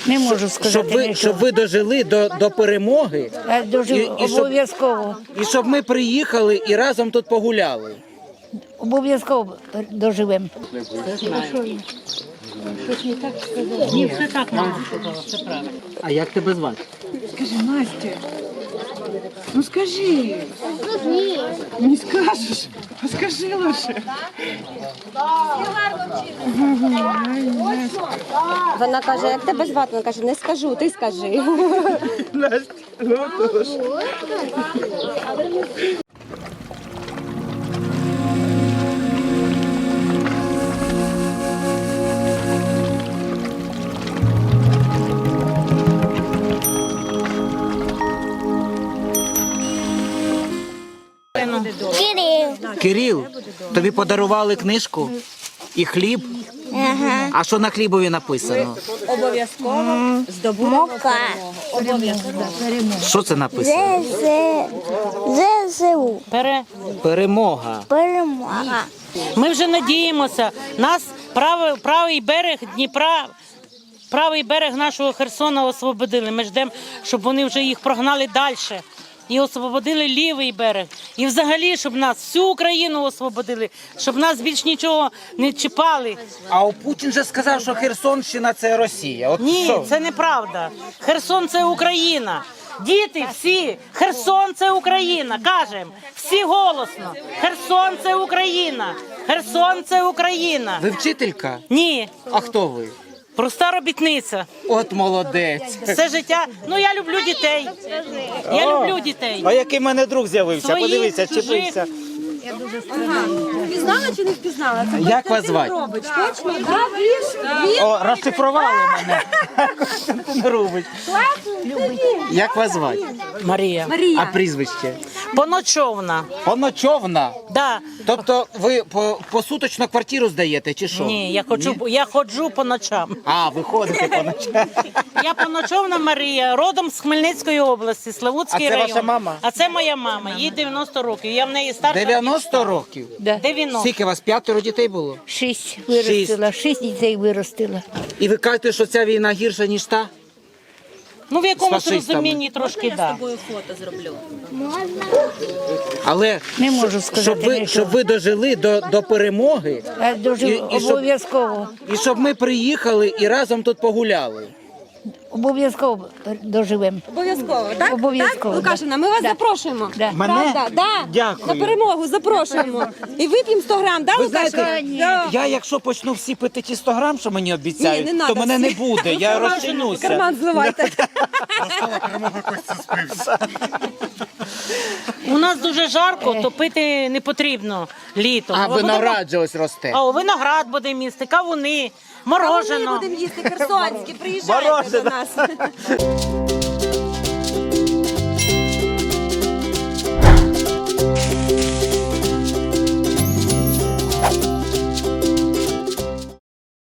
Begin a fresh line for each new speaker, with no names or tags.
Не можу сказати.
Щоб ви дожили до перемоги.
Обов'язково.
І щоб ми приїхали і разом тут погуляли.
Обов'язково доживемо.
Ні, все так мама сказала, все правильно.
А як тебе звати?
Скажи, Настя, ну скажи. Не скажеш, а скажи лише.
Вона каже, як тебе звати? Вона каже, не скажу, ти скажи.
Настя, ну тож.
Кирил, тобі подарували книжку і хліб?
Ага.
А що на хлібові написано?
Обов'язково здобути
Мока.
Що це написано?
ЗСУ.
Перемога.
Перемога.
Ми вже надіємося. Нас правий берег Дніпра, правий берег нашого Херсона освободили. Ми ждемо, щоб вони вже їх прогнали далі. І освободили лівий берег. І взагалі, щоб нас, всю Україну освободили, щоб нас більш нічого не чіпали.
А Путін же сказав, що Херсонщина – це Росія. От
Ні,
що?
це неправда. Херсон – це Україна. Діти всі, Херсон – це Україна. Кажемо, всі голосно. Херсон – це Україна. Херсон – це Україна.
Ви вчителька?
Ні,
А хто ви?
проста робітниця.
От молодець.
Все життя. Ну, я люблю дітей. Я люблю дітей.
А який в мене друг з'явився?
Своїх,
Подивися,
чужих.
чіпився.
Впізнала чи не впізнала? Це
Як вас звати?
робить, точно? Він?
О, розшифрували мене. Костянтин Рубич. Як вас звати?
Марія.
А прізвище?
Поночовна.
Поночовна.
Да.
Тобто ви посуточно квартиру здаєте, чи що?
Ні, я ходжу по ночам.
А, ви ходите по ночам.
Я Поночовна Марія, родом з Хмельницької області, Славутський
А це
район.
ваша мама?
А це моя мама, їй 90 років. Я в неї старша.
90 років?
90.
Скільки у вас, 5 дітей було?
6 виростила, 6 дітей виростила.
І ви кажете, що ця війна гірша, ніж та?
Ну, в якомусь
З фашистами.
розумінні трошки, так.
Але
Не можу сказати.
щоб ви дожили до перемоги,
Обов'язково.
і щоб ми приїхали і разом тут погуляли.
Обов'язково доживемо.
Обов'язково, так?
Обов'язково,
Так?
да.
Лукашина, ми вас
Да.
запрошуємо.
Да.
Мене?
Правда? Да.
Дякую.
На перемогу запрошуємо. І вип'ємо 100 грам, да,
Ви
Лукашина?
знаєте,
Да.
я якщо почну всі пити ті 100 грам, що мені обіцяють,
Ні, не
то
надо
мене не
всі.
буде, я розчинюся.
Карман зливайте.
У нас дуже жарко, то пити не потрібно літом.
А
Ми будемо-
виноград же ось росте.
А виноград будемо їсти, кавуни,
Ми
морожено.
будемо їсти херсонські, приїжджайте до нас.